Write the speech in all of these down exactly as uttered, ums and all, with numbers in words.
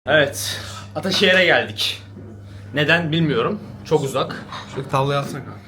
Evet, Ataşehir'e geldik. Neden bilmiyorum. Çok uzak. Şu tavlayı alsana kanka.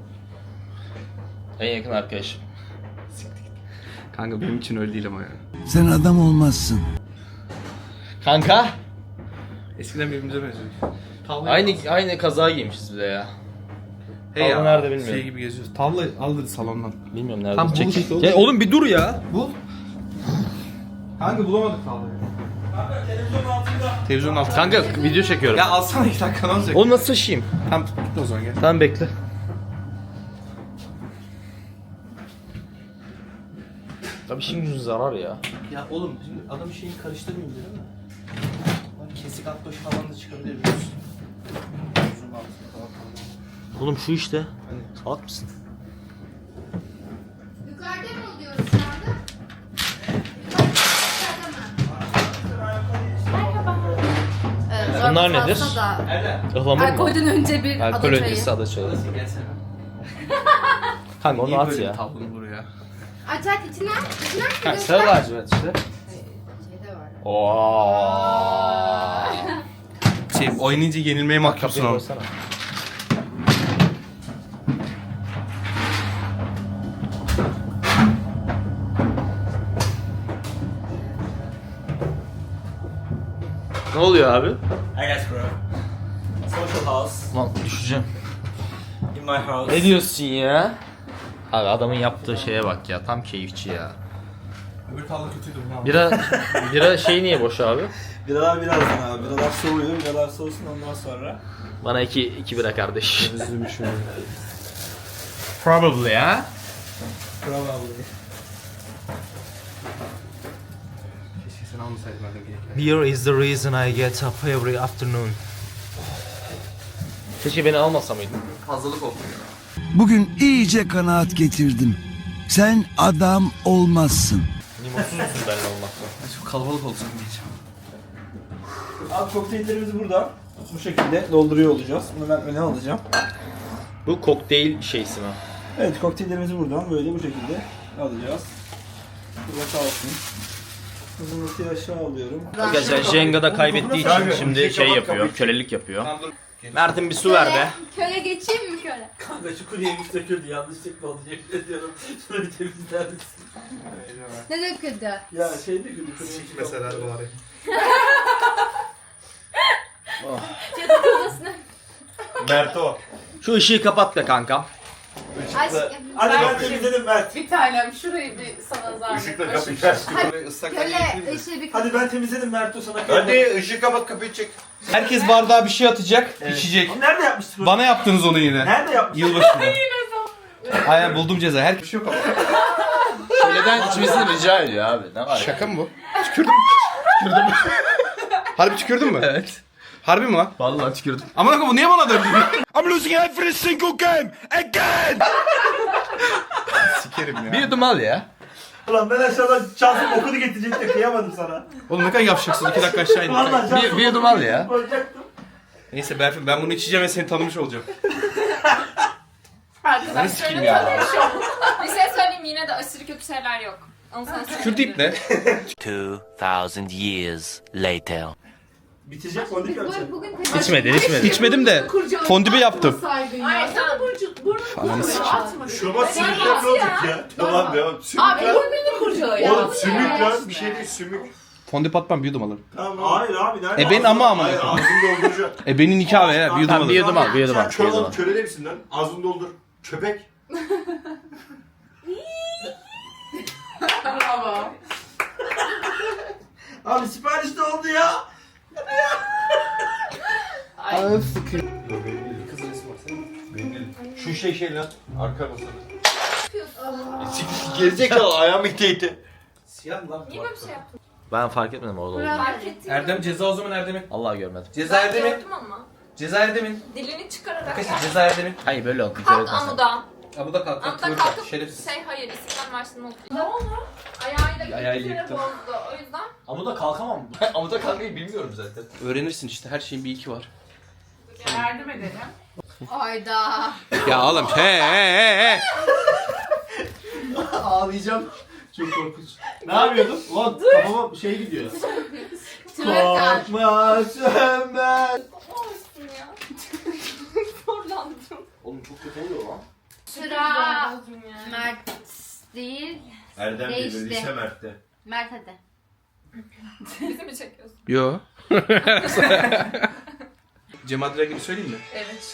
En yakın arkadaşım. Kanka benim için öyle değil ama ya. Sen adam olmazsın. Kanka. Eskiden birbirimize benziyoruz. Tavlayı Aynı al. aynı kaza giymişiz bir de ya. Hey Tavla nerede bilmiyorum. Şey gibi geziyoruz. Tavla aldı salondan. Bilmiyorum nerede. Tam Çek- bul işte oğlum. Ya oğlum bir dur ya. Bul. Kanka bulamadık tavlayı. Kanka televizyonun altında. Televizyonun altında. Kanka video çekiyorum. Ya alsana iki dakika ne olacak? Onu nasıl taşıyayım? Tamam git o zaman gel. Tamam bekle. Tabii şimdi zarar ya. Ya oğlum şimdi adam şeyi karıştırmayayım değil mi? Bak kesik atbaşı falan da çıkabilir biliyorsun. Uzun altında falan. Oğlum şu işte. Salak mısın? Yukarıda mı oluyoruz şu anda? Yukarıda mı? Merhaba. Bunlar nedir? Ihlamur mu? Alkolden önce bir Alkol ada çayı. öncesi ada çayı. Gelsene. Kanka onu Niye at böyle ya. bir tablonu buraya? Aç aç içine. İçine mi Kanka göster? sarı lacivert işte. Şeyde var. Ooo. Şey oynayınca yenilmeye mahkumsun Kapıyı ama. koysana. Ne oluyor abi? I guess bro. Social house Lan düşeceğim. in my house. Ne diyorsun ya? Abi adamın yaptığı şeye bak ya, tam keyifçi ya. Öbür tavla kötüydü bunu. Bira, bira şey niye boş abi? Biralar birazdan abi. Biralar soğuyor. Biralar soğusun ondan sonra. Bana iki, iki bira kardeş. Probably ya. Probably. Keşke sen almasaydın madem gerekli. Beer is the reason I get up every afternoon. Keşke beni almasa mıydın? Fazlalık oldu ya. Bugün iyice kanaat getirdim. Sen adam olmazsın. Limonsuz musun benimle olmakla? Çok kalabalık olsun diyeceğim. Abi kokteyllerimizi burada bu şekilde dolduruyor olacağız. Bunu ben öne alacağım. Bu kokteyl şeysi mi? Evet kokteyllerimizi buradan böyle bu şekilde alacağız. Burada kalsın. Hızımızı aşağı alıyorum. Arkadaşlar Jenga'da kaybettiği için şimdi şey yapıyor, kölelik yapıyor. Mert'in bir su ver be. Köle geçeyim mi köle? Kanka şu kuryemiş döküldü yanlışlıkla oldu yemin ediyorum. Şunu bir temizler misin? Ne döküldü? Ya şey döküldü kuryemiş. Mesela bari. Mert o. Şu ışığı kapat be kankam. Aşkım. Hadi ben temizledim Mert. Bir tanem şurayı bir sana zahmet. Işıkla Köle ışığı bir Hadi ben temizledim Mert o sana. Hadi ışığı kapat kapıyı çek. Herkes bardağa bir şey atacak, içecek. Nerede yapmıştın? Bana yaptınız onu yine. Nerede yapmıştın? Yılbaşında. Aynen buldum ceza. Her bir şey yok ama. Köleden içmesini rica ediyor abi. Ne var? Şaka mı bu? Tükürdüm. Tükürdüm. Harbi tükürdün mü? Evet. Harbi mi lan? Vallahi tükürdüm. Aman akım bu niye bana döndü? I'm losing every single game again. Sikerim ya. Bir yudum al ya. Ulan ben aşağıdan Cansu'nun okunu getirecektim kıyamadım sana. Oğlum ne kadar yavaşacaksın? İki dakika aşağı in. Vallahi Cansu'nun bir yudum al ya. koyacaktım. Neyse Berfin ben bunu içeceğim ve seni tanımış olacağım. Arkadaşlar sikeyim şöyle ya. tanışalım. Bir şey söyleyeyim yine de aşırı kötü şeyler yok. Onu sana Kürdeyip ne? Two thousand years later. Bitecek fondip yapacağım. Bugün İçmedin, içmedin. İçmedim de fondübü yaptım. Hayır sana burcu, burnunu kurcağı atma. Şurama sümükler ne olacak ya? Tamam devam. Abi Sümükler. burnunu kurcağı ya. Oğlum sümük lan bir şey değil sümük. Fondip atmam bir yudum alırım. Tamam. Hayır abi nerede? E ben ama ama. Hayır ağzını dolduracak. E benim nikah be ya bir yudum Tamam bir alırım. yudum al, bir yudum Sen al. Bir kör yudum al. olup köle misin lan? Ağzını doldur. Köpek. Bravo. Abi sipariş de oldu ya. Şu şey şey lan. Arka masada. Gerizekalı ayağımı ite ite. Siyah lan. Niye böyle bir şey yaptın? Ben fark etmedim orada olduğunu. Fark ettim. Erdem ceza o zaman Erdem'in. Allah görmedim. Ceza Ben Erdem'in. gördüm ama. Ceza Erdem'in. Dilini çıkararak. Arkadaşlar ceza Erdem'in. Hayır böyle oldu. Kalk amuda. Ya bu da kalk. Amuda Kalk. kalkıp Şerefsiz. şey hayır İstiklal Marşı'nı okuyor. Ne oldu? Ayağıyla Ayağıyla bir kere yıktım. bozdu. O yüzden Amuda kalkamam. Amuda kalkmayı bilmiyorum zaten. Öğrenirsin işte her şeyin bir iki var. yardım edelim. Ayda. Ya oğlum he he he he. Ağlayacağım. Çok korkunç. Ne yapıyordum? Ulan kafama şey gidiyor. Twerk. Korkma sönmez. Olsun ya. Zorlandım. Oğlum çok kötü oluyor lan. Sıra Mert değil. Erdem Değişti. geliyor, lise Mert'te. Mert hadi. Bizi mi çekiyorsun? Yo. Cem Adra gibi söyleyeyim mi? Evet.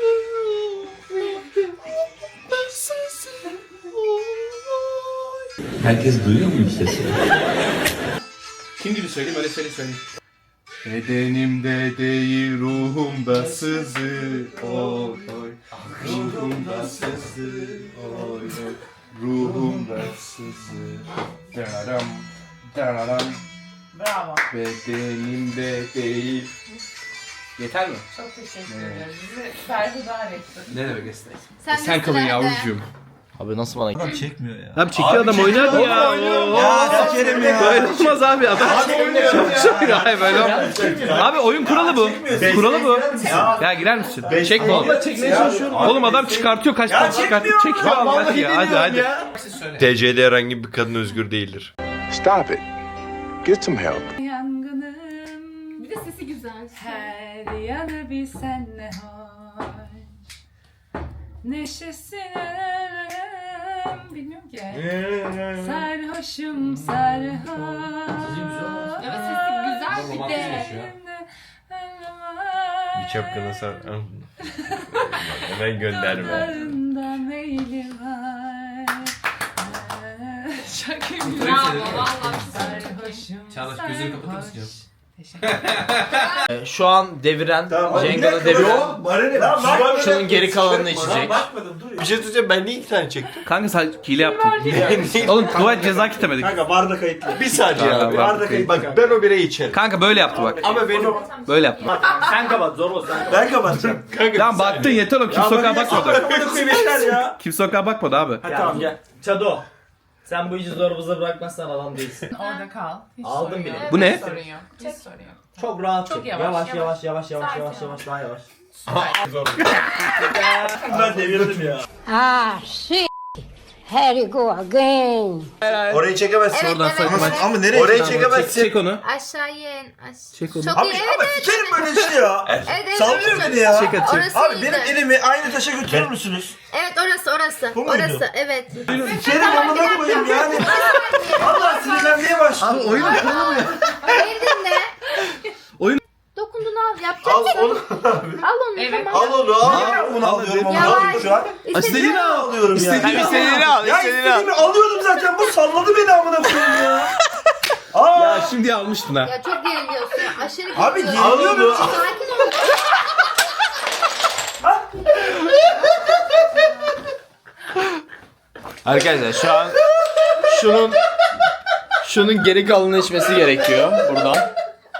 Herkes duyuyor mu sesi? Kim gibi söyleyeyim öyle söyle söyleyeyim. Bedenimde değil ruhumda sızı oy oy. Ruhumda sızı oy oy. Ruhumda sızı. Dararam dararam. Bravo. Bedenimde değil. Yeter mi? Çok teşekkür ederim. Bizi berhudar ettin. Ne demek istedim? Sen, Sen kalın yavrucuğum. Abi nasıl bana Adam çekmiyor ya. Abi çekiyor adam oynadı ya. Ya sikerim ya. Böyle olmaz abi adam. Çok ya. Hayır böyle olmaz. Abi oyun kuralı bu. Kuralı bu. Ya girer misin? Çekme oğlum. Çekmeye çalışıyorum. Oğlum adam çıkartıyor kaç tane çıkartıyor. Çekiyor Allah hadi ya hadi hadi. T C'de herhangi bir kadın özgür değildir. Stop it. Get some help. Yangınım. Bir de sesi güzel. Her yanı bir senle hoş. Neşesine bilmiyorum ki. Sarhoşum sarhoş. Evet sesi güzel bir de. Bir çapkına sar. Hemen gönderme. Dağlarında meyli var. Çok iyi. Bravo valla. Sarhoşum Çağdaş, gözünü kapatır mısın canım? Ee, Şu an deviren, Cenga'da deviren. Şunun geri kalanını içecek. Bir şey söyleyeceğim, ben niye iki tane çektim? Kanka sen hile yaptın. Oğlum dua ceza kitemedik. Kanka varda kayıtlı. Bir saniye Kanka, abi. varda kayıtlı. Bak ben o bireyi içerim. Kanka böyle yaptı bak. Ama benim... Böyle yaptı. Sen kapat zor olsun. Ben kapatacağım. Kanka Tamam baktın yeter oğlum. Kim sokağa bakmadı. Kapatı koyayım yeter ya. Kim sokağa bakmadı abi. Tamam gel. Çado. Sen bu işi zorbumuza bırakmazsan adam değilsin. Orada kal. Hiç Aldım sorun bile. yok. Bu ne? Hiç sorun yok. Hiç sorun yok. Çok rahat Çok çek. yavaş, Yavaş yavaş. yavaş yavaş yavaş Sakin yavaş ol. yavaş daha yavaş. Ben devirdim ya. Ah shit. Here you go again. Orayı çekemezsin. Evet, Oradan evet. sakın aç. Ama nereye Orayı Çek, çekemezsin. çek onu. Aşağıya in. Aş- Çek onu. Çok Abi iyi. Evet ama evet. sikerim böyle işte ya. Evet, evet, Sallıyor orası. beni ya. Çek hadi çek. Orası Abi iyiydi. benim elimi aynı taşa götürür müsünüz? Evet orası orası. Bu muydu? Orası evet. Sikerim amına koyayım yani. Allah sinirlenmeye başladı. Abi oyun kuralı mı ya? Beni dinle. Oyun- Dokunduğunu al. Yapacak Al mısın? onu Al onu Evet. tamam. Al onu al. Bunu alıyorum ama Yavaş. alıyorum şu an. İstediğini al. Alıyorum ya. İstediğini İstediğini al, Ya istediğimi alıyordum zaten. Bu salladı beni amına koyayım ya. Aa. Ya şimdi almıştın ha. Ya çok geriliyorsun. Aşırı Abi geriliyorsun. geriliyorum. Sakin ol. Arkadaşlar şu an şunun şunun geri kalanını içmesi gerekiyor buradan.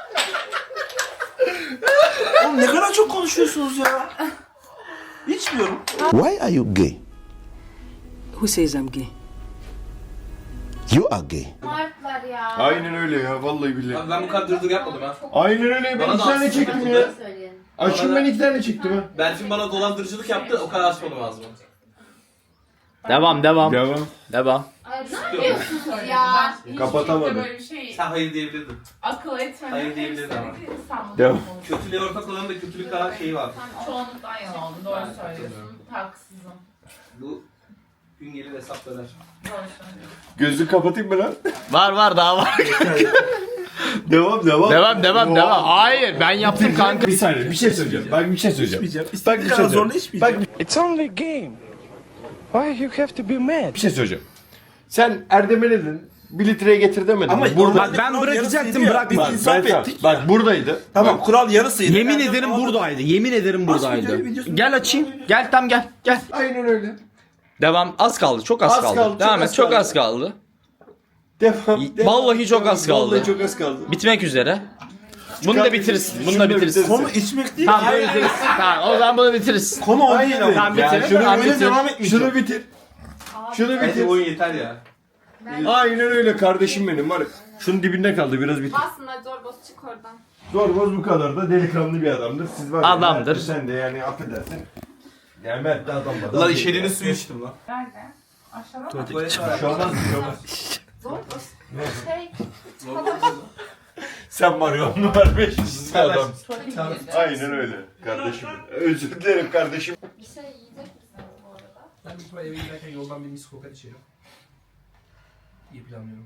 Oğlum ne kadar çok konuşuyorsunuz ya. İçmiyorum. Why are you gay? Who says I'm gay? You are gay. Martlar ya. Aynen öyle ya vallahi billahi. Abi ben bu kadar dırdır yapmadım ha. Aynen öyle. Ben Bana iki da tane aslında çektim ya. Söyleyelim. Açım ben iki tane çektim ha. Berfin bana dolandırıcılık yaptı o kadar açmadım ağzıma. Devam devam. Devam. Devam. Ay ne yapıyorsunuz ya? Kapatamadım. Böyle bir şey Sen hayır diyebilirdin. akıl etmedim. Hayır diyebilirim ama. İstanbul'da Devam. olmuş. Kötülüğe ortak olanın da kötülük kadar şeyi var. Çoğunlukla aynı oldu. Doğru söylüyorsun. Haksızım. Bu gün gelir hesaplar. Doğru söylüyorsun. Gözünü kapatayım mı lan? Var var daha var. Devam devam. Devam devam devam. Hayır ben yaptım kanka. Bir saniye bir şey söyleyeceğim. Bak bir şey söyleyeceğim. Bak bir şey söyleyeceğim. Bak It's only a game. Why you have to be mad? bir şey söyleyeceğim. Sen Erdem'e ne dedin? Bir litreye getir demedin. Ama Bak ben bırakacaktım bırakma. Bak, ben tam- bak buradaydı. Tamam kural yarısıydı. Yemin ederim buradaydı. Yemin ederim buradaydı. Gel açayım. Gel tam gel. Gel. Aynen öyle. Devam. Az kaldı. Çok az, Az kaldı. kaldı, çok Devam az et. Çok kaldı. az kaldı. Devam. devam. Vallahi çok az kaldı. Vallahi çok az kaldı. Bitmek üzere. Bunu da bitiririz. Bunu da bitiririz. Konu içmek değil. Tamam bunu bitiririz. Tamam o zaman bunu bitiririz. Konu o değil ama. Tamam Yani bitir. şunu Tamam öyle bitir. devam etmeyeceğim. Şunu bitir. Şunu Hadi bitir. oyun yeter ya. Aynen öyle kardeşim benim var. Şunun dibinde kaldı biraz bitir. Aslında zorbos çık oradan. Zorboz bu kadar da delikanlı bir adamdır. Siz var ya, Adamdır. Mert de sen de yani affedersin. Yani Mert de adam da. Lan işediğiniz suyu içtim lan. Nerede? Aşağıda mı? Tuvalet var. Bir şey olmaz bir şey olmaz. Zorbos. Şey. Sen var ya on numara beş yüzlü adam. Tamam. Aynen öyle kardeşim. Özür dilerim kardeşim. Bir şey yiyecek misiniz bu arada? Ben büyük ihtimalle eve giderken yoldan bir mis kokat içerim. İyi planlıyorum.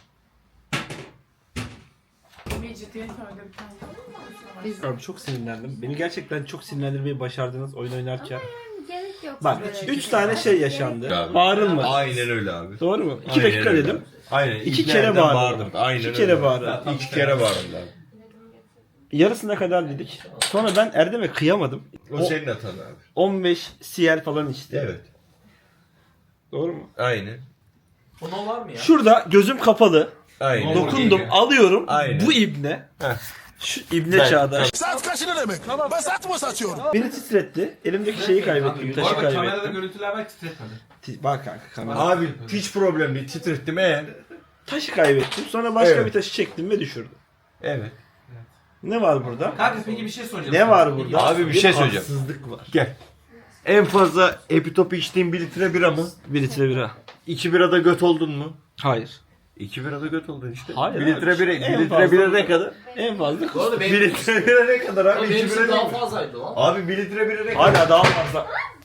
Bir ciddiyet öyle bir tane. Abi çok sinirlendim. Beni gerçekten çok sinirlendirmeyi başardınız oyun oynarken. Gerek yok. Bak üç tane şey yaşandı. Bağırılmadı. Aynen öyle abi. Doğru mu? İki Aynen dakika öyle. dedim. Aynen. İki İki kere nereden bağırdım. bağırdım. Aynen İki öyle. kere bağırdım. İki kere bağırdım abi. Yarısına kadar dedik. Sonra ben Erdem'e kıyamadım. O, senin hatan abi. on beş C L falan içti. Evet. Doğru mu? Aynen. Onun var mı ya? Şurada gözüm kapalı. Aynen. Dokundum, alıyorum. Aynen. Bu ibne. Heh. Şu ibne Ben- Çağdaş. Saat kaç ne demek? Ben saat mı satıyorum? Beni titretti. Elimdeki şeyi kaybettim. Bu Taşı arada kamerada kaybettim. görüntüler var titretmedi. Ti- Bak kanka kamera. Abi hiç problem değil. Titrettim eğer. Taşı kaybettim. Sonra başka Evet. bir taşı çektim ve düşürdüm. Evet. Ne var burada? Kanka peki bir şey soracağım. Ne var burada? Abi bir şey söyleyeceğim. Haksızlık var. Gel. En fazla epitopu içtiğin bir litre bira mı? Bir litre bira. İki birada göt oldun mu? Hayır. İki birada göt oldun işte. Hayır Bir abi. litre bira, En bir litre fazla- bira ne kadar? En fazla Bu arada Bir benim, litre bira ne kadar abi? benim İki için bira daha değil mi? fazlaydı lan. Abi bir litre bira ne kadar? Hala daha fazla.